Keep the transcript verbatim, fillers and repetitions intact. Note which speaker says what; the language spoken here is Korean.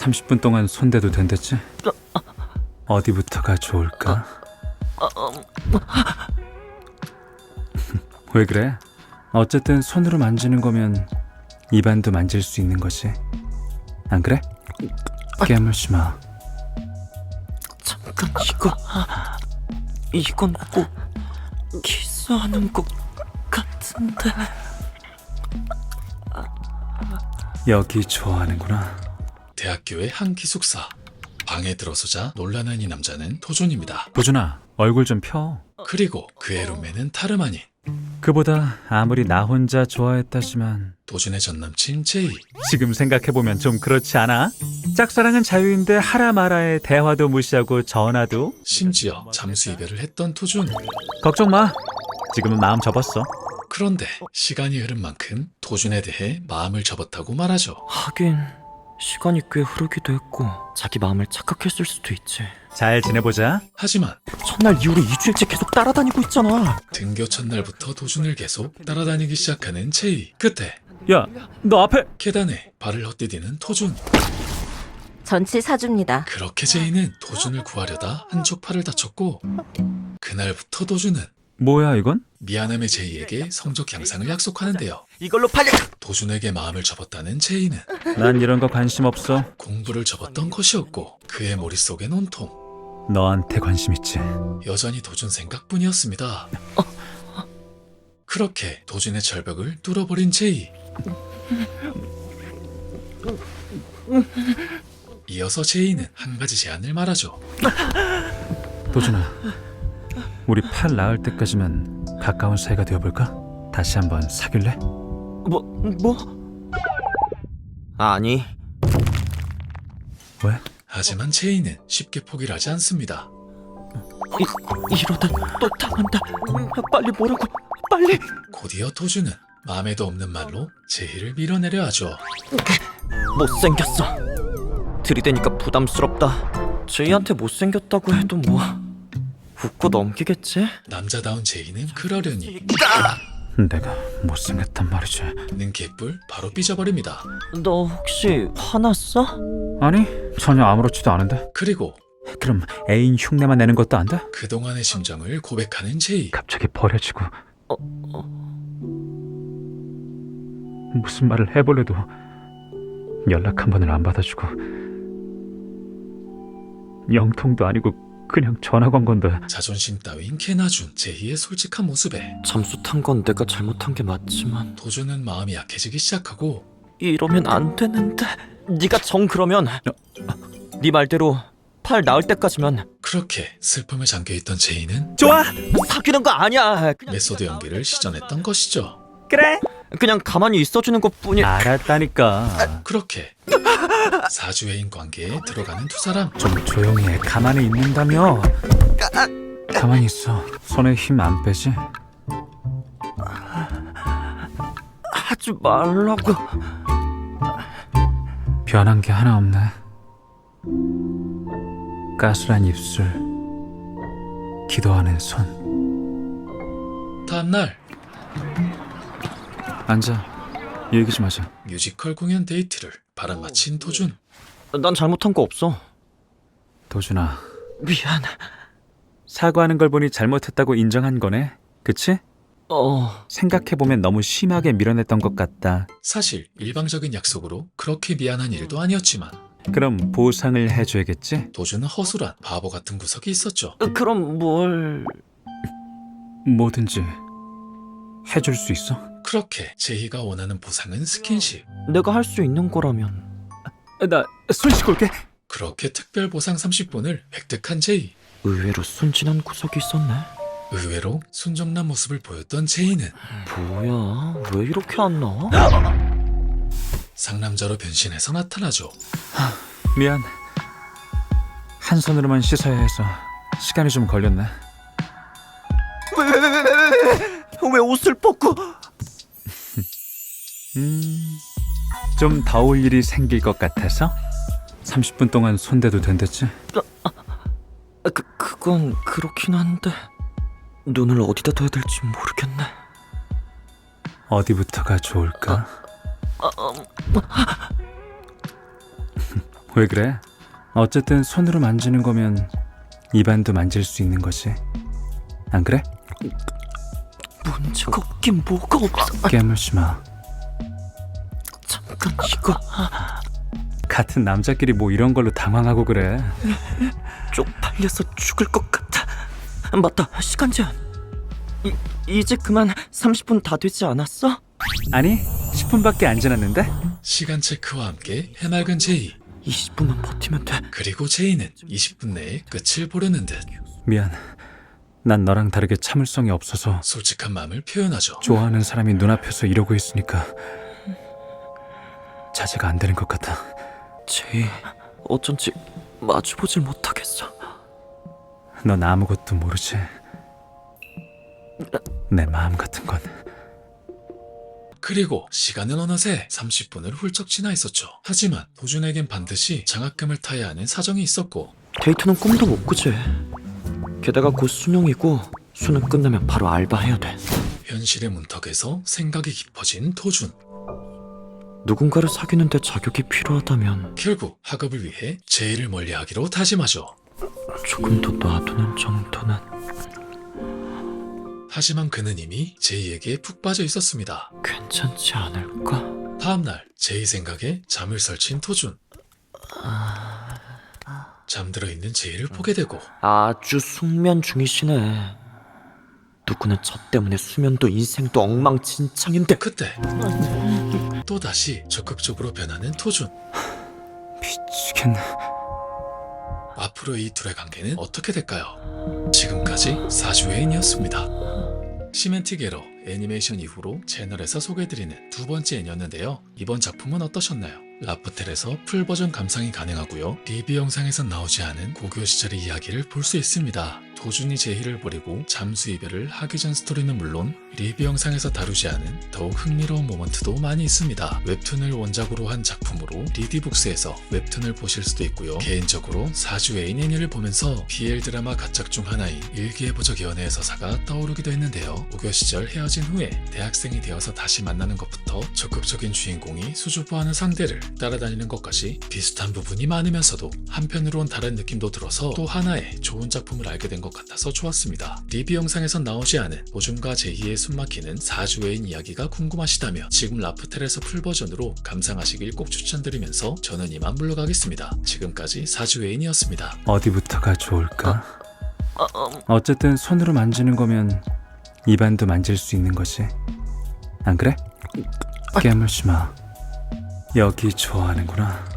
Speaker 1: 삼십 분 동안 손대도 된댔지? 어디부터가 좋을까? 왜 그래? 어쨌든 손으로 만지는 거면 입안도 만질 수 있는 거지. 안 그래? 깨물지 마.
Speaker 2: 잠깐, 이거 이건 꼭 키스하는 것 같은데.
Speaker 1: 여기 좋아하는구나.
Speaker 3: 대학교의 한 기숙사. 방에 들어서자 놀라는 이 남자는 도준입니다.
Speaker 1: 도준아, 얼굴 좀 펴.
Speaker 3: 그리고 그의 룸메는 다름 아닌
Speaker 1: 그보다 아무리 나 혼자 좋아했다지만
Speaker 3: 도준의 전남친 제이.
Speaker 1: 지금 생각해보면 좀 그렇지 않아? 짝사랑은 자유인데 하라 마라에 대화도 무시하고 전화도?
Speaker 3: 심지어 잠수 이별을 했던 도준.
Speaker 1: 걱정 마. 지금은 마음 접었어.
Speaker 3: 그런데 시간이 흐른 만큼 도준에 대해 마음을 접었다고 말하죠.
Speaker 2: 하긴 시간이 꽤 흐르기도 했고 자기 마음을 착각했을 수도 있지.
Speaker 1: 잘 지내보자.
Speaker 3: 하지만
Speaker 2: 첫날 이후로 이 주일째 계속 따라다니고 있잖아.
Speaker 3: 등교 첫날부터 도준을 계속 따라다니기 시작하는 제이. 그때
Speaker 1: 야, 너 앞에.
Speaker 3: 계단에 발을 헛디디는 도준.
Speaker 4: 전치 사줍니다.
Speaker 3: 그렇게 제이는 도준을 구하려다 한쪽 팔을 다쳤고 그날부터 도준은
Speaker 1: 뭐야 이건?
Speaker 3: 미안함의 제이에게 성적 향상을 약속하는데요.
Speaker 2: 이걸로 팔려.
Speaker 3: 도준에게 마음을 접었다는 제이는
Speaker 1: 난 이런 거 관심 없어.
Speaker 3: 공부를 접었던 것이었고 그의 머릿속엔 온통
Speaker 1: 너한테 관심 있지.
Speaker 3: 여전히 도준 생각뿐이었습니다. 그렇게 도준의 절벽을 뚫어버린 제이. 이어서 제이는 한 가지 제안을 말하죠.
Speaker 1: 도준아, 우리 팔 나을 때까지만 가까운 사이가 되어볼까? 다시 한번 사귈래?
Speaker 2: 뭐 뭐? 아니.
Speaker 1: 왜?
Speaker 3: 하지만 제이는 쉽게 포기를 하지 않습니다.
Speaker 2: 이, 이러다 또 당한다. 빨리 뭐라고? 빨리.
Speaker 3: 곧이어 도준은 마음에도 없는 말로 제이를 밀어내려 하죠.
Speaker 2: 못생겼어. 들이대니까 부담스럽다. 제이한테 못생겼다고 해도 뭐 웃고 넘기겠지?
Speaker 3: 남자다운 제이는 그러려니
Speaker 1: 내가 못생겼단 말이지.
Speaker 3: 는 개뿔 바로 삐져버립니다.
Speaker 2: 너 혹시 화났어?
Speaker 1: 아니, 전혀 아무렇지도 않은데.
Speaker 3: 그리고
Speaker 1: 그럼 애인 흉내만 내는 것도 안 돼?
Speaker 3: 그동안의 심정을 고백하는 제이.
Speaker 1: 갑자기 버려지고
Speaker 2: 어, 어.
Speaker 1: 무슨 말을 해보려도 연락 한 번을 안 받아주고 영통도 아니고 그냥 전화 건 건데.
Speaker 3: 자존심 따윈 개나준 제이의 솔직한 모습에
Speaker 2: 잠수 탄 건 내가 잘못한 게 맞지만
Speaker 3: 도준은 마음이 약해지기 시작하고
Speaker 2: 이러면 안 되는데. 네가 정 그러면 네 말대로 팔 나을 때까지만.
Speaker 3: 그렇게 슬픔에 잠겨있던 제이는
Speaker 1: 좋아!
Speaker 2: 사귀는 거 아니야. 그냥,
Speaker 3: 메소드 연기를 시전했던 것이죠.
Speaker 1: 그래!
Speaker 2: 그냥 가만히 있어주는 것뿐이야.
Speaker 1: 알았다니까.
Speaker 3: 그렇게 사주애인 관계에 들어가는 두 사람.
Speaker 1: 좀 조용히 해. 가만히 있는다며. 가만히 있어. 손에 힘 안 빼지?
Speaker 2: 하지 말라고.
Speaker 1: 변한 게 하나 없네. 가스란 입술, 기도하는 손.
Speaker 3: 다음날
Speaker 1: 앉아. 얘기 좀 하자.
Speaker 3: 뮤지컬 공연 데이트를 바람마친 도준.
Speaker 2: 난 잘못한 거 없어.
Speaker 1: 도준아,
Speaker 2: 미안.
Speaker 1: 사과하는 걸 보니 잘못했다고 인정한 거네. 그치?
Speaker 2: 어.
Speaker 1: 생각해보면 너무 심하게 밀어냈던 것 같다.
Speaker 3: 사실 일방적인 약속으로 그렇게 미안한 일도 아니었지만
Speaker 1: 그럼 보상을 해줘야겠지?
Speaker 3: 도준은 허술한 바보 같은 구석이 있었죠.
Speaker 2: 그럼 뭘?
Speaker 1: 뭐든지 해줄 수 있어?
Speaker 3: 그렇게 제이가 원하는 보상은 스킨십.
Speaker 2: 내가 할 수 있는 거라면.
Speaker 1: 나 손 씻고 올게.
Speaker 3: 그렇게 특별 보상 삼십 분을 획득한 제이.
Speaker 2: 의외로 순진한 구석이 있었네.
Speaker 3: 의외로 순정난 모습을 보였던 제이는
Speaker 2: 뭐야? 왜 이렇게 안 나와?
Speaker 3: 상남자로 변신해서 나타나죠.
Speaker 1: 미안. 한 손으로만 씻어야 해서 시간이 좀 걸렸네.
Speaker 2: 왜 왜 왜 왜 왜 왜 옷을 벗고?
Speaker 1: 음, 좀 더울 일이 생길 것 같아서 삼십 분 동안 손대도 된댔지?
Speaker 2: 그 그건 그렇긴 한데 눈을 어디다 둬야 될지 모르겠네.
Speaker 1: 어디부터가 좋을까?
Speaker 2: 아, 음,
Speaker 1: 왜 그래? 어쨌든 손으로 만지는 거면 입안도 만질 수 있는 거지. 안 그래?
Speaker 2: 문제가 없긴 뭐가 없어.
Speaker 1: 깨물지 마.
Speaker 2: 잠깐 이거
Speaker 1: 같은 남자끼리 뭐 이런 걸로 당황하고 그래.
Speaker 2: 쪽팔려서 죽을 것 같아. 맞다, 시간 제한. 이, 이제 그만. 삼십 분 다 되지 않았어?
Speaker 1: 아니, 십 분밖에 안 지났는데?
Speaker 3: 시간 체크와 함께 해맑은 제이.
Speaker 2: 이십 분만 버티면 돼.
Speaker 3: 그리고 제이는 이십 분 내에 끝을 보려는 듯
Speaker 1: 미안. 난 너랑 다르게 참을성이 없어서
Speaker 3: 솔직한 마음을 표현하죠.
Speaker 1: 좋아하는 사람이 눈앞에서 이러고 있으니까 자제가 안 되는 것 같아.
Speaker 2: 제이, 어쩐지 마주보질 못하겠어.
Speaker 1: 넌 아무것도 모르지. 내 마음 같은 건.
Speaker 3: 그리고 시간은 어느새 삼십 분을 훌쩍 지나 있었죠. 하지만 도준에겐 반드시 장학금을 타야 하는 사정이 있었고
Speaker 2: 데이트는 꿈도 못 꾸지. 게다가 곧 수능이고 수능 끝나면 바로 알바해야 돼.
Speaker 3: 현실의 문턱에서 생각이 깊어진 도준.
Speaker 2: 누군가를 사귀는데 자격이 필요하다면
Speaker 3: 결국 학업을 위해 제이를 멀리하기로 다짐하죠.
Speaker 2: 조금 더 놔두는 정도는.
Speaker 3: 하지만 그는 이미 제이에게 푹 빠져 있었습니다.
Speaker 2: 괜찮지 않을까?
Speaker 3: 다음날 제이 생각에 잠을 설친 도준. 잠들어 있는 제이를 보게 되고
Speaker 2: 아주 숙면 중이시네. 누구는 저 때문에 수면도 인생도 엉망진창인데.
Speaker 3: 그때 또다시 적극적으로 변하는 토준.
Speaker 1: 미치겠네.
Speaker 3: 앞으로 이 둘의 관계는 어떻게 될까요? 지금까지 사주애인이었습니다. 시멘티게러 애니메이션 이후로 채널에서 소개해드리는 두 번째 애니였는데요. 이번 작품은 어떠셨나요? 라프텔에서 풀버전 감상이 가능하고요. 리뷰 영상에선 나오지 않은 고교 시절의 이야기를 볼 수 있습니다. 도준이 제희를 버리고 잠수 이별을 하기 전 스토리는 물론 리뷰 영상에서 다루지 않은 더욱 흥미로운 모먼트도 많이 있습니다. 웹툰을 원작으로 한 작품으로 리디북스에서 웹툰을 보실 수도 있고요. 개인적으로 사주 애인 애니를 보면서 비엘 드라마 가작 중 하나인 일기예보적 연애의 서사가 떠오르기도 했는데요. 고교 시절 헤어진 후에 대학생이 되어서 다시 만나는 것부터 적극적인 주인공이 수줍어하는 상대를 따라다니는 것까지 비슷한 부분이 많으면서도 한편으론 다른 느낌도 들어서 또 하나의 좋은 작품을 알게 된 것 같아서 좋았습니다. 리뷰 영상에선 나오지 않은 도준과 제희의 숨막히는 사주애인 이야기가 궁금하시다면 지금 라프텔에서 풀버전으로 감상하시길 꼭 추천드리면서 저는 이만 물러가겠습니다. 지금까지 사주애인이었습니다.
Speaker 1: 어디부터가 좋을까? 어쨌든 손으로 만지는 거면 입안도 만질 수 있는 거지. 안 그래? 깨물지 마. 여기 좋아하는구나.